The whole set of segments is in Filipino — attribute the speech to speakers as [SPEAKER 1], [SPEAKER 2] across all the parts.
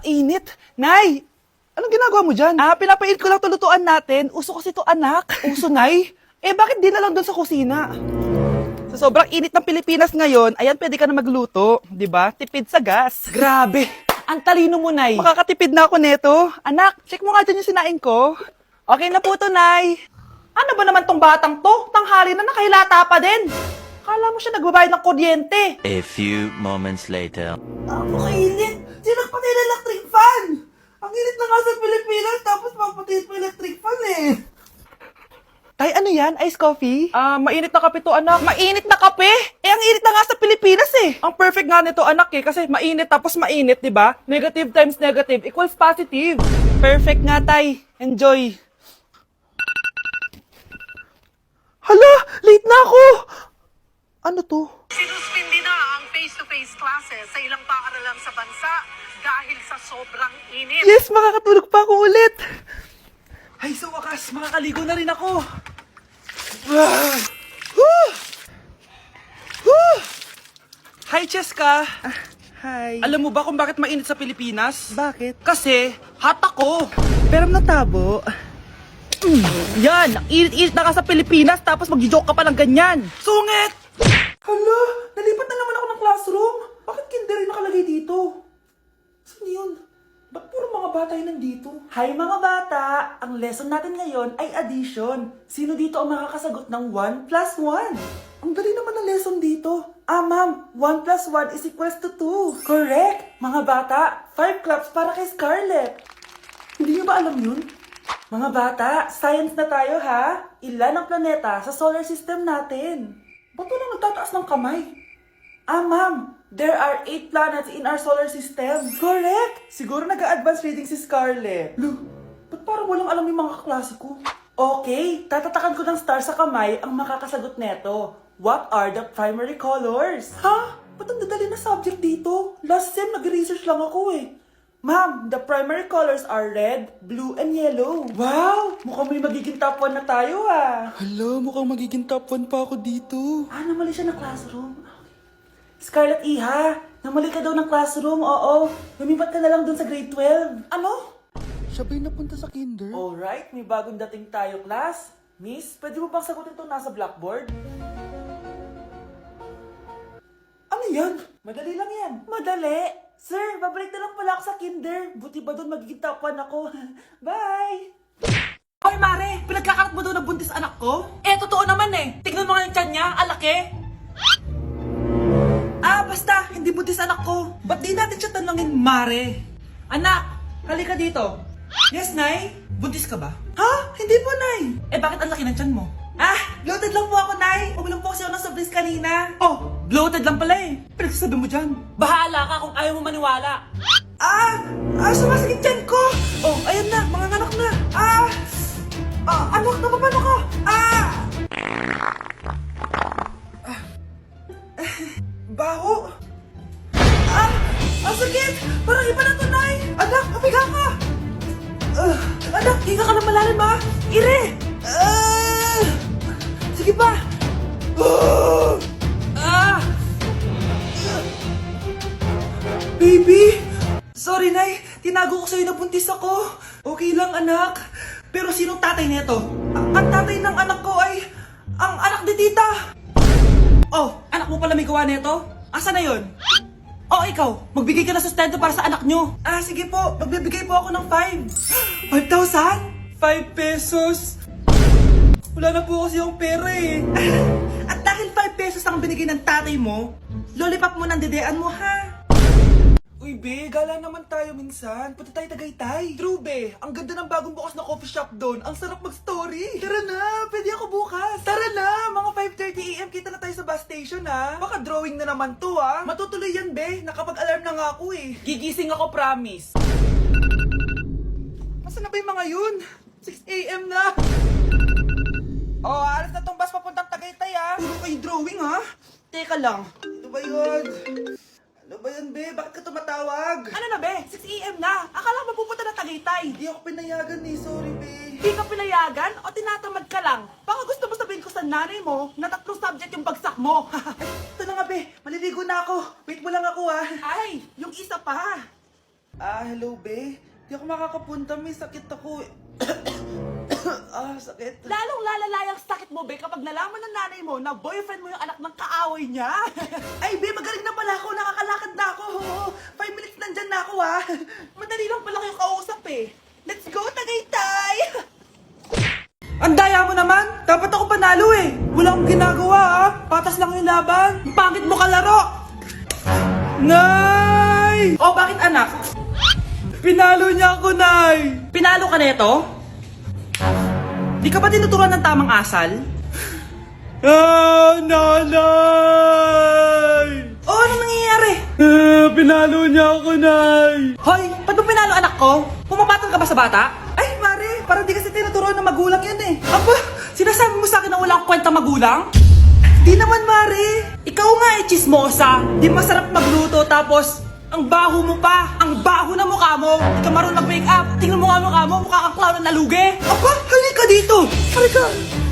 [SPEAKER 1] init. Nay, anong ginagawa mo dyan? Pinapainit ko lang to lutuan natin. Uso kasi to, anak. Uso, Nay? Bakit di na lang doon sa kusina? Sa sobrang init ng Pilipinas ngayon, ayan, pwede ka na magluto. Di ba? Tipid sa gas. Grabe. Ang talino mo, Nay. Makakatipid na ako neto. Anak, check mo nga dyan yung sinain ko. Okay na po to, Nay. Ano ba naman tong batang to? Tanghali na nakahilata pa din. Kala mo siya nagbabayad ng kuryente.
[SPEAKER 2] A few moments later.
[SPEAKER 1] Napakainit! Sinakpan na yung electric fan! Ang init na nga sa Pilipinas, tapos mapatid pa electric fan eh. Tay, ano yan? Ice coffee? Mainit na kape to, anak. Mainit na kape? Ang init na nga sa Pilipinas eh. Ang perfect nga nito, anak eh, kasi mainit tapos mainit, di ba? Negative times negative equals positive. Perfect nga, Tay. Enjoy. Hala! Late na ako! Ano to?
[SPEAKER 3] Sinuspindi na ang face-to-face classes sa ilang paaralan sa bansa dahil sa sobrang init.
[SPEAKER 1] Yes, makakatulog pa ako ulit. Ay, sa wakas, makakaligo na rin ako. Hi, Cheska. Hi. Alam mo ba kung bakit mainit sa Pilipinas? Bakit? Kasi, hot ako. Pero natabo. Yan, ang init-init na ka sa Pilipinas tapos mag-joke ka pa ng ganyan. Sungit! Hala, nalipat na naman ako ng classroom. Bakit kinder rin nakalagay dito? Saan yun? Ba't puro mga bata yun nandito? Hi mga bata! Ang lesson natin ngayon ay addition. Sino dito ang makakasagot ng 1 plus 1? Ang dali naman ng lesson dito. Ma'am, 1 plus 1 is equals to 2. Correct! Mga bata, 5 claps para kay Scarlett. Hindi niyo ba alam yun? Mga bata, science na tayo ha? Ilan ang planeta sa solar system natin? Ba't walang nagtataas ng kamay? Ma'am, there are 8 planets in our solar system. Correct! Siguro nag-a-advance reading si Scarlett. Lo, ba't parang walang alam yung mga kaklase ko? Okay, tatatakan ko ng star sa kamay ang makakasagot neto. What are the primary colors? Ha? Ba't ang dadali na subject dito? Last sem, nag-research lang ako eh. Ma'am, the primary colors are red, blue, and yellow. Wow! Mukhang may magiging top 1 na tayo ah. Hala, mukhang magiging top 1 pa ako dito. Namali siya ng classroom. Scarlett Iha, namali ka daw ng classroom, oo. Lumipat ka na lang dun sa grade 12. Ano? Siya ba'y napunta sa kinder? Alright, may bagong dating tayo, class. Miss, pwede mo bang sagutin itong nasa blackboard? Ano yan? Madali lang yan. Madali? Sir, babalik na lang pala ako sa kinder. Buti ba doon magiging top 1 ako? Bye! Hoy, Mare! Pinagkakarat mo daw na buntis anak ko? Totoo naman eh. Tignan mo nga yung tiyan niya, alaki. Basta, hindi buntis anak ko. Ba't di natin siya tanongin, Mare? Anak, halika dito. Yes, Nay? Buntis ka ba? Ha? Hindi po, Nay. Bakit ang laki ng tiyan mo? Bloated lang po ako, Nay. Uminom po kasi ako ng sobris kanina. Bloated lang pala eh. Pinagsasabi mo dyan. Bahala ka kung ayaw mo maniwala. Sumasakit tiyan ko. Ayan na, mga anak na. Anak, napapano ka? Baho. Ang sakit. Parang iba na to, Nay. Anak, papiga ka. Anak, higa ka na malalim ha. Ire. Sige pa. Baby! Sorry, Nay. Tinago ko sa'yo na buntis ako. Okay lang, anak. Pero sinong tatay nito? Ang tatay ng anak ko ay ang anak ni tita. Anak mo pala may gawa nito? Asa na yun? Ikaw. Magbigay ka na sustento para sa anak nyo. Sige po. Magbibigay po ako ng 5. 5,000? 5 pesos. Wala na po kasi yung pera eh. At dahil 5 pesos ang binigay ng tatay mo, lollipop mo ng dedean mo ha. Uy, be, gala naman tayo minsan. Punta tayo Tagaytay. True, be. Ang ganda ng bagong bukas na coffee shop doon. Ang sarap mag-story. Tara na, pwede ako bukas. Tara na, mga 5:30 AM kita na tayo sa bus station, ha. Baka drawing na naman to, ha. Matutuloy yan, be. Nakapag-alarm na nga ako, eh. Gigising ako, promise. Masa na ba yung mga yun? 6 AM na. Alas na tong bus papuntang Tagaytay, ha. Puro kayo drawing, ha. Teka lang. Ito ba yun? Ano ba yan, be? Bakit ka tumatawag? Ano na, be? 6 AM na. Akala mo pupunta na Tagaytay. Hindi ako pinayagan eh. Sorry, be. Hindi ka pinayagan o tinatamad ka lang? Baka gusto mo sabihin ko sa nanay mo na 3 subject yung bagsak mo. Ito na nga, be. Maliligo na ako. Wait mo lang ako, ha. Ay, yung isa pa. Hello, be. Di ako makakapunta. May sakit ako. Sakit.
[SPEAKER 4] Lalong lalala yung sakit mo, be, kapag nalaman ng nanay mo na boyfriend mo yung anak ng kaaway niya.
[SPEAKER 1] Ay, be, magaling na pala ako. Nakakalakad na ako. 5 minutes nandyan na ako, ha.
[SPEAKER 4] Madali lang pala kayo kausap eh. Let's go, Tagaytay!
[SPEAKER 1] Ang daya mo naman. Dapat ako panalo, eh. Wala akong ginagawa, ha. Patas lang yung laban. Pangit mo kalaro. Nay! Oh, bakit anak? Pinalo niya ako, Nay.
[SPEAKER 4] Pinalo ka neto?
[SPEAKER 1] Di ka ba tinuturuan ng tamang asal? Nanay! Oh, ano nangyayari? Pinalo niya ako, Nay.
[SPEAKER 4] Hoy, ba't mo pinalo anak ko? Pumapatol ka ba sa bata?
[SPEAKER 1] Ay, Mare, parang di kasi tinuturuan ng magulang yan eh.
[SPEAKER 4] Aba, sinasabi mo sa akin na wala akong kwenta magulang?
[SPEAKER 1] Di naman, Mare.
[SPEAKER 4] Ikaw nga eh, chismosa. Di masarap magluto tapos ang baho mo pa. Ang baho na mukha mo. Di ka marunong mag-make up. Tingnan mo nga mukha mo. Mukha kang clown na nalugi.
[SPEAKER 1] Aba, halika dito. Halika.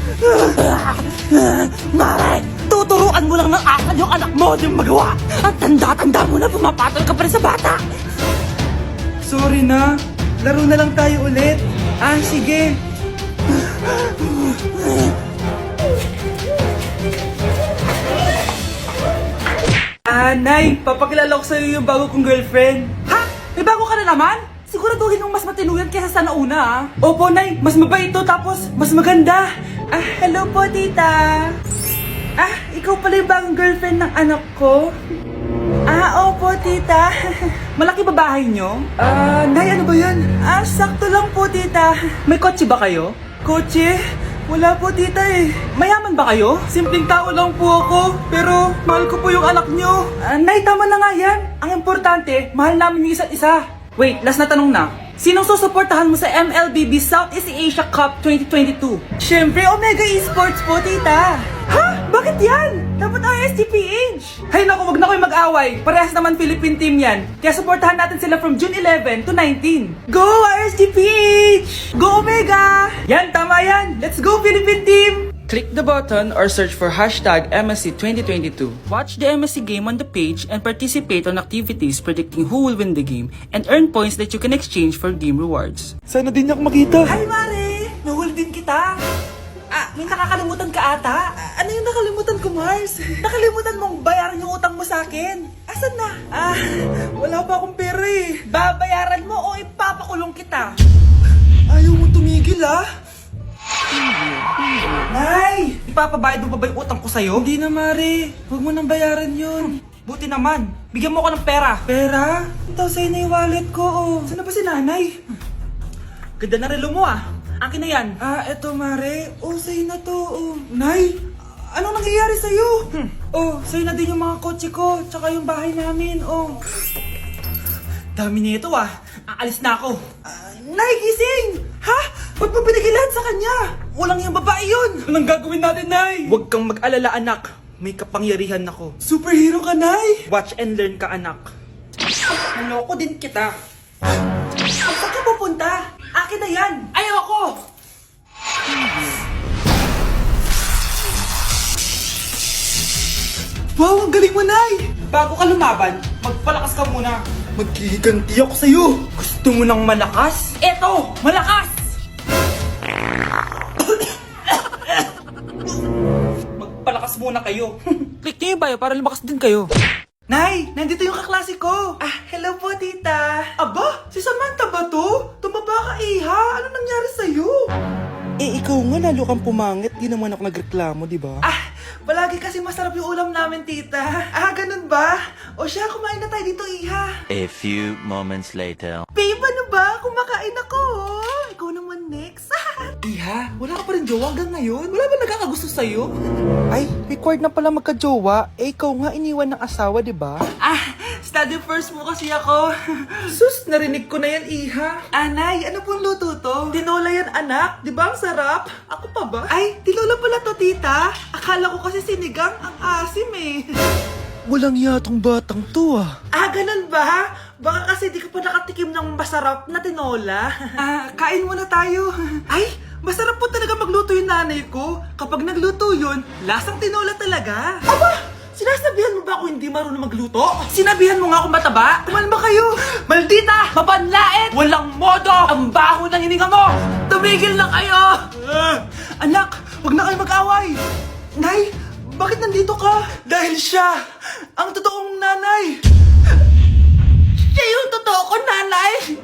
[SPEAKER 4] Mare, tuturuan mo lang ng asal yung anak mo. Di mo magawa. Ang tanda-tanda mo na pumapatol ka pa rin sa bata.
[SPEAKER 1] Sorry na. Laro na lang tayo ulit. Sige. Nay, papakilala ko sa'yo yung bago kong girlfriend.
[SPEAKER 4] Ha? May bago ka na naman? Siguraduhin mong mas matino yan kesa sa nauna, ha?
[SPEAKER 1] Opo, Nay. Mas mabait to, tapos mas maganda. Hello po, tita. Ikaw pala yung bagong girlfriend ng anak ko? Opo, tita.
[SPEAKER 4] Malaki ba bahay nyo?
[SPEAKER 1] Nay, ano ba yan? Sakto lang po, tita.
[SPEAKER 4] May kotse ba kayo?
[SPEAKER 1] Kotse? Wala po, tita eh.
[SPEAKER 4] Mayaman ba kayo?
[SPEAKER 1] Simpleng tao lang po ako, pero mahal ko po yung anak nyo. Nay, tama na nga yan. Ang importante, mahal namin yung isa't isa.
[SPEAKER 4] Wait, last na tanong na. Sinong susuportahan mo sa MLBB Southeast Asia Cup 2022?
[SPEAKER 1] Siyempre, Omega Esports po, tita.
[SPEAKER 4] Ha? Bakit yan? Dapat RSGPH.
[SPEAKER 1] Hay naku, wag na kayo mag-away. Parehas naman Philippine team yan. Kaya supportahan natin sila from June 11 to 19. Go RSGPH! Go Omega! Yan, tama yan. Let's go Philippine team! Click the button or search for hashtag MSC 2022.
[SPEAKER 4] Watch the MSC game on the page and participate on activities predicting who will win the game and earn points that you can exchange for game rewards.
[SPEAKER 1] Sana din ako makita.
[SPEAKER 4] Hi, Mare! Nahuli din kita. May nakakalimutan ka ata.
[SPEAKER 1] Ano yung nakalimutan ko, Mars?
[SPEAKER 4] Nakalimutan mong bayaran yung utang mo sa akin. Asan na?
[SPEAKER 1] Wala pa akong pera eh.
[SPEAKER 4] Babayaran mo o ipapakulong kita.
[SPEAKER 1] Ayaw mo tumigil Nay!
[SPEAKER 4] Ipapabayad mo pa ba yung utang ko sa'yo?
[SPEAKER 1] Hindi na, Mare. Huwag mo nang bayaran yun.
[SPEAKER 4] Buti naman. Bigyan mo ko ng pera.
[SPEAKER 1] Pera? Ito sa'yo na yung wallet ko, Saan na ba si nanay?
[SPEAKER 4] Ganda na relo mo Akin na yan.
[SPEAKER 1] Eto, Mare. Sa'yo na to, Nay, anong nangyayari sa'yo? Sa'yo na din yung mga kotse ko, tsaka yung bahay namin,
[SPEAKER 4] Dami nito Aalis na ako.
[SPEAKER 1] Nay, gising! Ha? Ba't mo pinigilan sa kanya?
[SPEAKER 4] Walang yung babae yun.
[SPEAKER 1] Anong gagawin natin, Nay?
[SPEAKER 4] Huwag kang mag-alala, anak. May kapangyarihan ako.
[SPEAKER 1] Superhero ka, Nay!
[SPEAKER 4] Watch and learn ka, anak.
[SPEAKER 1] Naloko din kita.
[SPEAKER 4] Saan ka pupunta? Akin na yan. Ayoko.
[SPEAKER 1] Wow, ang galing mo, Nay!
[SPEAKER 4] Bago ka lumaban, magpalakas ka muna.
[SPEAKER 1] Maghihiganti ako sa'yo!
[SPEAKER 4] Gusto mo ng malakas? Eto, malakas! Magpalakas muna kayo. Click niyo yung bio para lumakas din kayo.
[SPEAKER 1] Nay, nandito yung kaklase ko. Hello po, tita. Aba, si Samantha ba to? Tumaba ka, Iha. Ano nangyari sa'yo?
[SPEAKER 5] Ikaw nga lalo kang pumangit, di naman ako nagreklamo, di ba?
[SPEAKER 1] Palagi kasi masarap yung ulam namin, tita. Ganun ba? O siya, kumain na tayo dito, Iha.
[SPEAKER 2] A few moments later.
[SPEAKER 1] Babe, ano ba? Kumakain ako. Ikaw naman next.
[SPEAKER 5] Iha, wala ka pa rin jowa hanggang ngayon? Wala ba nagkakagusto sa'yo? Ay, required na pala magka-jowa. Ikaw nga iniwan ng asawa, di ba?
[SPEAKER 1] Study first mo kasi ako. Sus, narinig ko na yan, Iha. Anay, ano pong luto to? Tinola yan, anak. Di ba ang sarap? Ako pa ba? Ay, tinola pala to, tita. Akala ko kasi sinigang ang asim eh.
[SPEAKER 5] Walang yatong batang to
[SPEAKER 1] Ganun ba? Baka kasi di ka pa nakatikim ng masarap na tinola. Kain muna tayo. Ay, masarap po talaga magluto yung nanay ko. Kapag nagluto yun, lasang tinola talaga. Aba,
[SPEAKER 5] Sinasabihan mo ba ako hindi marunong magluto?
[SPEAKER 1] Sinabihan mo nga akong mataba?
[SPEAKER 5] Kumalma kayo!
[SPEAKER 1] Maldita! Mapanlait! Walang modo! Ang baho ng hininga mo! Tumigil na kayo! Anak, huwag na kayo mag-away!
[SPEAKER 5] Nay, bakit nandito ka?
[SPEAKER 1] Dahil siya, ang totoong nanay!
[SPEAKER 5] Siya yung totoo ko, nanay!